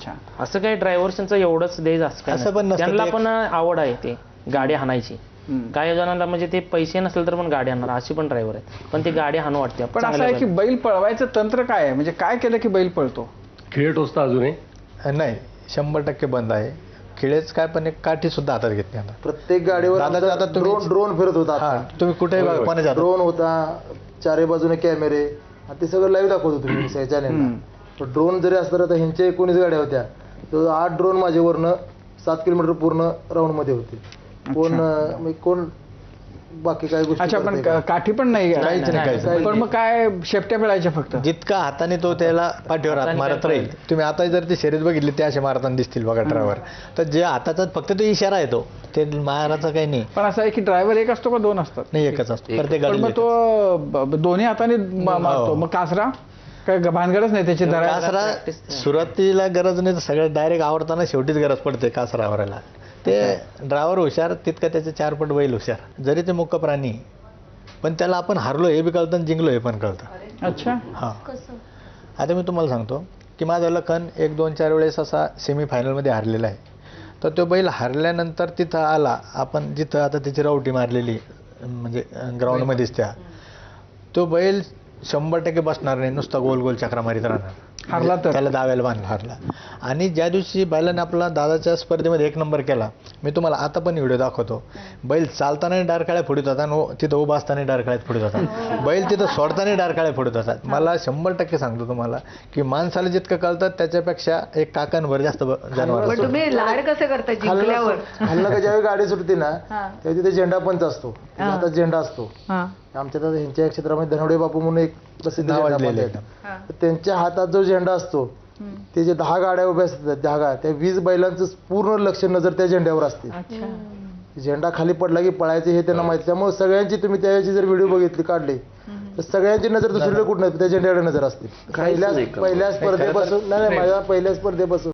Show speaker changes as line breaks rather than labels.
अच्छा.
असं काही ड्रायव्हर्सचं एवढंच द्यायचं
असं पण नसतं.
त्यांना पण आवड आहे ते गाडी हाणायची. काही जणांना म्हणजे ते पैसे नसेल तर पण गाडी हाणणार अशी पण ड्रायव्हर आहेत, पण ती गाडी हाणू वाटते.
पण असं आहे की बैल पळवायचं तंत्र काय आहे, म्हणजे काय केलं की बैल पळतो?
खिळे टोचता अजूनही
नाही 100% बंद आहे. खिळेच काय पण एक काठी सुद्धा हातात घेत नाही आता.
प्रत्येक गाडीवर
आता
ड्रोन फिरत होता.
हा तुम्ही कुठेही बघा कोणाच्या
ड्रोन होता, चारी बाजूने कॅमेरे, ते सगळं लाईव्ह दाखवत होतो मी चॅनलला. ड्रोन जरी असलं तर ह्यांच्या 19 गाड्या होत्या, तर 8 ड्रोन माझ्यावरनं 7 किलोमीटर पूर्ण राऊंड मध्ये होते. कोण बाकी काय गोष्टी.
अच्छा, पण काठी पण नाही, पण मग काय शेपट्या पिळायच्या फक्त?
जितका हाताने तो त्याला पाठीवर हात मारत राहील. तुम्ही आता जर ती शर्यत बघितली ते असे मारताना दिसतील बघा ड्रायव्हर, तर जे हाताचा फक्त तो इशारा आहे ते मारायचा काही नाही.
पण असं आहे की ड्रायव्हर एक असतो का दोन असतात?
नाही, एकच असतो प्रत्येक
पण मग तो दोन्ही हाताने मारतो, मग कासरा काय भानगडच नाही त्याची धरायला?
कासरा सुरुवातीला गरज नाही, तर सगळं डायरेक्ट आवडताना शेवटीच गरज पडते कासरा आवरायला. ते ड्रायव्हर हुशार तितका त्याचे 4 पट बैल हुशार. जरी ते मुख्य प्राणी पण त्याला आपण हारलो हे बी कळतं आणि जिंकलो हे पण कळतं.
अच्छा.
हां, आता मी तुम्हाला सांगतो की माझा लखन 1-2-4 वेळेस असा सेमीफायनलमध्ये हारलेला आहे. तर तो बैल हारल्यानंतर तिथं आला, आपण जिथं आता त्याची रावटी मारलेली म्हणजे ग्राउंडमध्येच तो बैल 100% बसणार नाही, नुसता गोल गोल चक्रा मारित राहणार.
हारला तर
त्याला दाव्याला बांधला, हारला. आणि ज्या दिवशी बैलाने आपला दादाच्या स्पर्धेमध्ये 1 नंबर केला, मी तुम्हाला आता पण व्हिडिओ दाखवतो. बैल चालतानाही डारकाळ्या फोडत होता आणि तिथं उभा असताना डारकाळ्यात फोडत होता. बैल तिथं सोडतानाही डारकाळ्या फोडत होता. मला 100% सांगतो तुम्हाला की माणसाला जितकं कळतं त्याच्यापेक्षा एक काकांवर जास्त जनावर.
तुम्ही लाड कसं करता जिंकल्यावर?
हल्ला का ज्यावेळी गाडी सुटते ना तेव्हा तिथे झेंडा पंच असतो, आता झेंडा असतो आमच्या ह्यांच्या क्षेत्रामध्ये. धनवडे बापू म्हणून एक प्रसिद्ध त्यांच्या हातात जो झेंडा असतो, ते जे 10 गाड्या उभ्या असतात, त्या 20 बैलांचं पूर्ण लक्ष नजर त्या झेंड्यावर असते. झेंडा खाली पडला की पळायचे हे त्यांना माहिती. त्यामुळे सगळ्यांची तुम्ही त्याची जर व्हिडिओ बघितली काढले तर सगळ्यांची नजर दुसरीकडे कुठं नाही, त्या झेंड्याकडे नजर असते. पहिल्या स्पर्धेपासून नाही, माझ्या पहिल्या स्पर्धेपासून